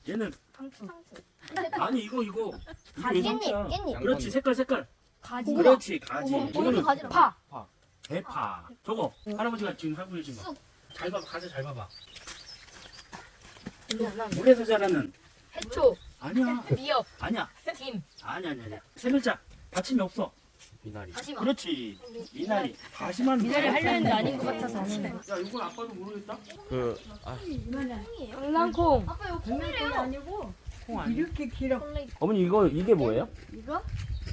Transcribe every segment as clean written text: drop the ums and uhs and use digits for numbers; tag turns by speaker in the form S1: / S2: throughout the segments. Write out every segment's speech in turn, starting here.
S1: 얘는
S2: 상추.
S1: 아니 이거 왜 상추야?
S2: 깻잎.
S1: 그렇지 색깔.
S2: 가지.
S1: 그렇지 가지. 이거는
S2: 가지. 파.
S1: 대파. 저거 할아버지가 지금 하고 계신 거. 잘 봐봐 가지 잘 봐봐. 물에서 자라는
S2: 해초.
S1: 아니야.
S2: 미역.
S1: 아니야.
S2: 김.
S1: 아니야. 세 글자 받침이 없어.
S3: 미나리.
S2: 다시마.
S1: 그렇지. 미나리. 다시마는
S2: 미나리
S1: 뭐야?
S2: 하려 했는데 아닌 것 같아서 안 했네.
S1: 야 이건 아빠도 모르겠다.
S2: 강낭콩.
S4: 아빠 이거 콩이래요. 아니고
S1: 콩 아니야?
S4: 이렇게 길어.
S3: 어머니 이게 뭐예요?
S4: 이거?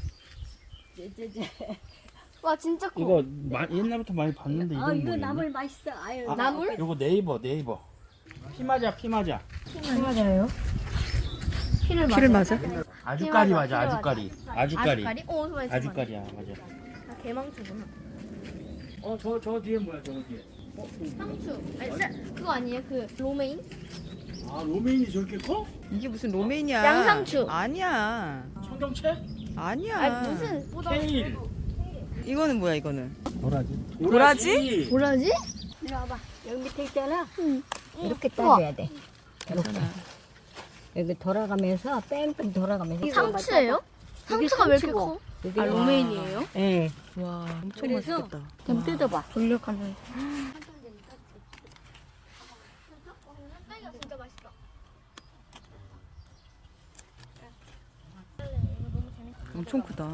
S2: 와 진짜 커.
S1: 이거 옛날부터 많이 봤는데
S4: 아
S1: 이건
S4: 이거
S1: 모르겠네.
S4: 나물 맛있어. 아유.
S2: 나물?
S1: 이거 네이버. 피마자.
S2: 맞아요.
S5: 피를 맞아?
S1: 아주까리
S2: 맞아,
S1: 맞아.
S2: 피마자.
S1: 아주까리.
S2: 오, 소리
S1: 아주까리야 맞아.
S2: 개망초구나.
S1: 저 뒤에 뭐야 저 뒤에?
S2: 상추. 아니, 그거 아니에요? 그 로메인?
S1: 아 로메인이 저렇게 커?
S5: 이게 무슨 로메인이야?
S2: 양상추.
S5: 아니야.
S1: 청경채?
S5: 아니야.
S2: 아니 무슨
S1: 케일.
S5: 이거는 뭐야 이거는?
S1: 도라지?
S5: 도라지?
S2: 뭐라지?
S4: 이리 와봐. 여기 밑에 있잖아.
S2: 응.
S4: 이렇게
S2: 우와.
S4: 따줘야 돼. 이렇게. 여기 돌아가면서 뺑뺑 돌아가면서.
S2: 상추예요? 상추가 왜 이렇게 커?
S4: 이게
S2: 아 로메인이에요?
S4: 예.
S5: 와 엄청
S4: 그래서
S5: 맛있겠다.
S4: 좀 뜯어봐.
S2: 돌려가면.
S5: 엄청 크다.